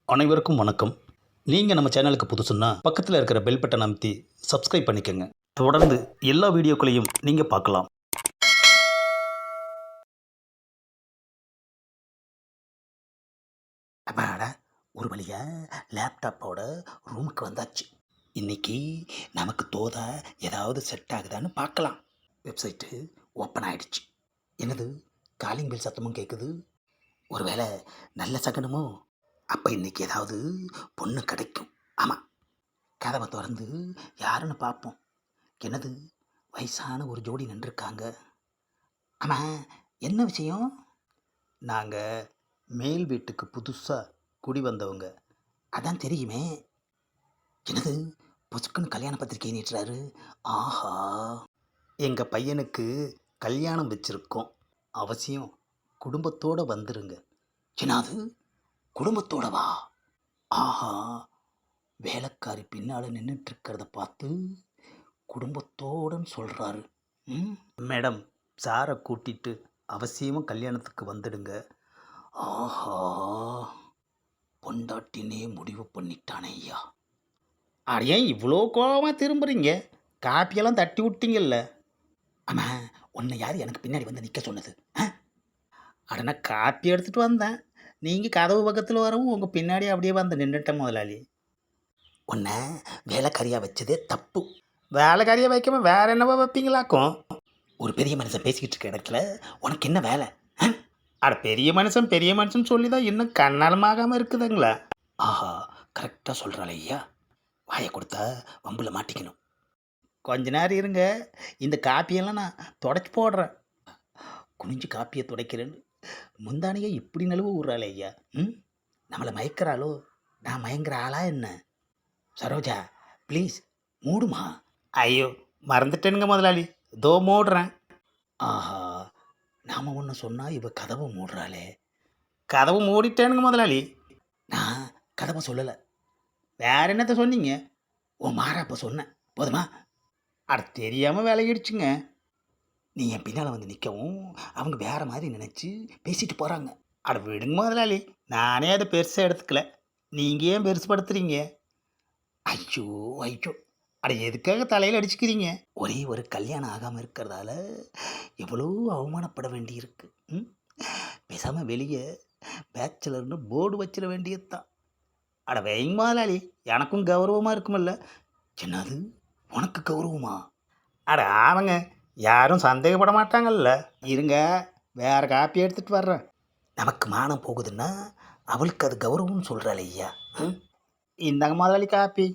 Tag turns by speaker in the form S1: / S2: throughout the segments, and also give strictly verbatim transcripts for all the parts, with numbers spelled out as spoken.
S1: அனைவருக்கும் வணக்கம். நீங்கள் நம்ம சேனலுக்கு புதுசுன்னா பக்கத்தில் இருக்கிற பெல் பட்டனை அமைத்தி சப்ஸ்கிரைப் பண்ணிக்கோங்க. தொடர்ந்து எல்லா வீடியோக்களையும் நீங்கள் பார்க்கலாம். அப்பாடா, ஒரு வழியா லேப்டாப்போட ரூமுக்கு வந்தாச்சு. இன்னைக்கு நமக்கு தோதா ஏதாவது செட் ஆகுதான்னு பார்க்கலாம். வெப்சைட்டு ஓப்பன் ஆயிடுச்சு. என்னது, காலிங் பெல் சத்தமும் கேட்குது. ஒருவேளை நல்ல சகனமோ? அப்போ இன்னைக்கு ஏதாவது பொண்ணு கிடைக்கும். ஆமாம், கதவை திறந்து யாருன்னு பார்ப்போம். என்னது, வயசான ஒரு ஜோடி நின்றுருக்காங்க. ஆமாம், என்ன விஷயம்? நாங்கள் மேல் வீட்டுக்கு புதுசாக குடி வந்தவங்க. அதான் தெரியுமே. என்னது, பொசுக்குன்னு கல்யாண பத்திரிக்கை நீட்டுறாரு. ஆஹா, எங்கள் பையனுக்கு கல்யாணம் வச்சுருக்கோம், அவசியம் குடும்பத்தோடு வந்துருங்க. என்னது, குடும்பத்தோட வா? ஆஹா, வேலைக்காரி பின்னால் நின்றுட்டுருக்கிறத பார்த்து குடும்பத்தோடுன்னு சொல்கிறாரு. ம் மேடம், சாரை கூட்டிட்டு அவசியமாக கல்யாணத்துக்கு வந்துடுங்க. ஆஹா, பொண்டாட்டினே முடிவு பண்ணிட்டானே ஐயா. அடையே இவ்வளோ கோபமாக திரும்புறீங்க? காப்பியெல்லாம் தட்டி விட்டீங்கல்ல. ஆமாம், உன்னை யார் எனக்கு பின்னாடி வந்து நிற்க சொன்னது? அடனா காப்பி எடுத்துகிட்டு வந்தேன், நீங்கள் கதவு பக்கத்தில் வரவும் உங்கள் பின்னாடி அப்படியே வந்து நின்றுட்டேன் முதலாளி. உன்னை வேலைக்காரியாக வச்சதே தப்பு. வேலைக்காரியாக வைக்காம வேற என்னவா வைப்பீங்களாக்கும்? ஒரு பெரிய மனுஷன் பேசிக்கிட்டு இருக்க இடத்துல உனக்கு என்ன வேலை? அட, பெரிய மனுஷன் பெரிய மனுஷன் சொல்லி தான் இன்னும் கண்ணாலமாகாமல் இருக்குதுங்களா? ஆஹா, கரெக்டாக சொல்கிறாள் ஐயா. வாயை கொடுத்தா வம்பில் மாட்டிக்கணும். கொஞ்ச நேரம் இருங்க, இந்த காப்பியெல்லாம் நான் தொடச்சி போடுறேன். குனிஞ்சு காப்பியை துடைக்கிறேன்னு முந்தானையே இப்படி நழுவு விட்றாளே ஐயா. ம் நம்மளை மயக்கிறாளோ? நான் மயங்கிற ஆளா என்ன? சரோஜா, ப்ளீஸ் மூடுமா. ஐயோ, மறந்துட்டேனுங்க முதலாளி, தோ மூடுறேன். ஆஹா, நாம் ஒன்று சொன்னால் இவ கதவை மூடுறாளே. கதவு மூடிட்டேனுங்க முதலாளி. நான் கதவை சொல்லலை, வேற என்னத்த சொன்னீங்க? ஓ மாறாப்ப சொன்னேன், போதுமா? அட, தெரியாமல் விலகிடுச்சுங்க. நீ என் பின்னால் வந்து நிற்கவும் அவங்க வேறு மாதிரி நினச்சி பேசிட்டு போகிறாங்க. அட விடுங்க முதலாளி, நானே அதை பெருசாக எடுத்துக்கல, நீங்கள் ஏன் பெருசுப்படுத்துறீங்க? ஐயோ ஐயோ, அட எதுக்காக தலையில் அடிச்சுக்கிறீங்க? ஒரே ஒரு கல்யாணம் ஆகாமல் இருக்கிறதால எவ்வளோ அவமானப்பட வேண்டியிருக்கு. ம் பேசாமல் வெளியே பேச்சுலர்னு போர்டு வச்சிட வேண்டியது தான். அட வைங்க முதலாளி, எனக்கும் கௌரவமாக இருக்குமில்ல. என்னது, உனக்கு கௌரவமா? அட ஆமாங்க, யாரும் சந்தேகப்பட மாட்டாங்கல்ல. இருங்க, வேறு காப்பி எடுத்துகிட்டு வர்றேன். நமக்கு மானம் போகுதுன்னா அவளுக்கு அது கௌரவம்னு சொல்கிறாள் ஐயா. ம் இந்தாங்க முதலாளி காப்பி.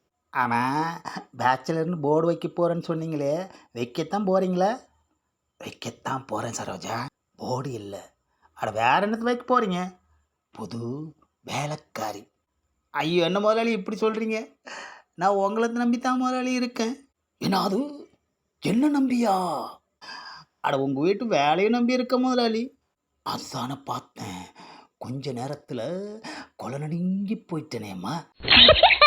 S1: ஆனால் பேச்சுலர்னு போர்டு வைக்க போகிறேன்னு சொன்னீங்களே, வைக்கத்தான் போகிறீங்களா? வைக்கத்தான் போகிறேன் சரோஜா, போர்டு இல்லை. அட வேறு என்னத்தை வைக்க போகிறீங்க? புது வேலைக்காரி. ஐயோ, என்ன முதலாளி இப்படி சொல்கிறீங்க? நான் உங்களை நம்பித்தான் முதலாளி இருக்கேன். என்ன அது, என்ன நம்பியா? அட, உங்கள் வீட்டு வேலையை நம்பி இருக்க முதலாளி. அதுதானே பார்த்தேன், கொஞ்ச நேரத்தில் கொலை நடுங்கி போயிட்டேனேம்மா.